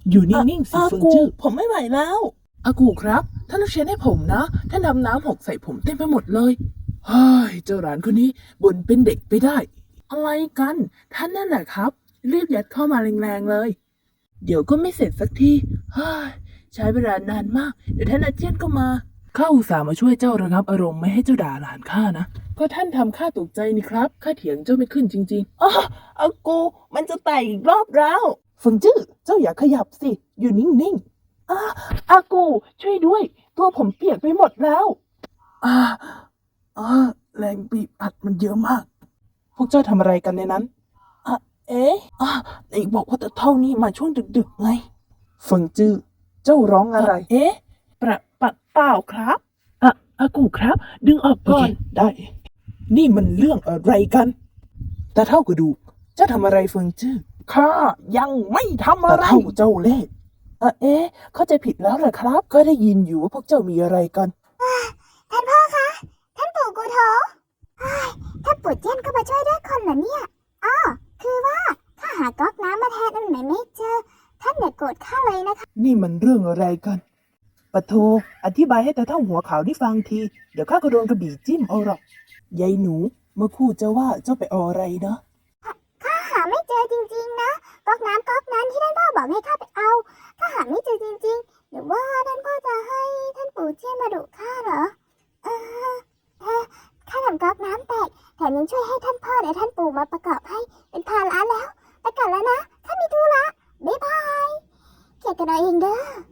อยู่นิ่งๆสิเฟิงจื้อผมไม่ไหวแล้วอากูครับท่านต้องเช็ดให้ผมนะท่านทำน้ำหกใส่ผมเต็มไปหมดเลยเฮ้ยเจ้าหลานคนนี้บ่นเป็นเด็กไปได้อะไรกันท่านนั่นแหละครับรีบยัดเข้ามาแรงๆเลยเดี๋ยวก็ไม่เสร็จสักทีเฮ้ยใช้เวลานานมากเดี๋ยวท่านอาเจียนก็มาข้าอุตส่าห์มาช่วยเจ้าระงับอารมณ์ไม่ให้เจ้าด่าหลานข้านะก็ท่านทำข้าตกใจนี่ครับข้าเถียงเจ้าไม่ขึ้นจริงๆอากูมันจะแตกอีกรอบแล้วเฟิงจื้อเจ้าอย่าขยับสิอยู่นิ่งๆอากูช่วยด้วยตัวผมเปียกไปหมดแล้วอ่าแรงบีบอัดมันเยอะมากพวกเจ้าทำอะไรกันในนั้นเอ๊ะไหนบอกว่าจะเท่านี้มาช่วงดึกๆไงเฟิงจื้อเจ้าร้องอะไรเอ๊ะเปล่าครับอากูครับ ดึงออกก่อนได้ นี่มันเรื่องอะไรกันแต่เท่ากระดูกเจ้าทำอะไรเฟิงจื้อข้ายังไม่ทำแต่อะไรเท่าเจ้าเล่ห์เข้าใจผิดแล้วเหรอครับ ก็ได้ยินอยู่ว่าพวกเจ้ามีอะไรกันท่านพ่อคะท่านปู่กูโถท่านปู่เจี้ยนก็มาช่วยด้วยคนเหรอเนี่ยคือว่าข้าหาก๊อกน้ำมาแทนอันไหนไม่เจอท่านอย่าโกรธข้าเลยนะคะนี่มันเรื่องอะไรกันปะโทอธิบายให้แต่เท่าหัวขาวได้ฟังทีเดี๋ยวข้าก็โดนกระบี่จิ้มเอาหรอกยายหนูเมื่อครู่เจ้าว่าเจ้าไปเอาอะไรนะข้าหาไม่เจอจริงๆนะก๊อกน้ำก๊อกนั้นที่ท่านพ่อบอกให้ข้าไปเอาข้าหาไม่เจอจริงๆหรือว่าท่านพ่อจะให้ท่านปู่เจี้ยนมาดุข้าเหรอข้าทำก๊อกน้ำแตกแถมยังช่วยให้ท่านพ่อและท่านปู่มาประกอบให้เป็นภาระแล้วไปก่อนแล้วนะข้ามีธุระบ๊ายบายเกี่ยวกันเอาเองเด้อ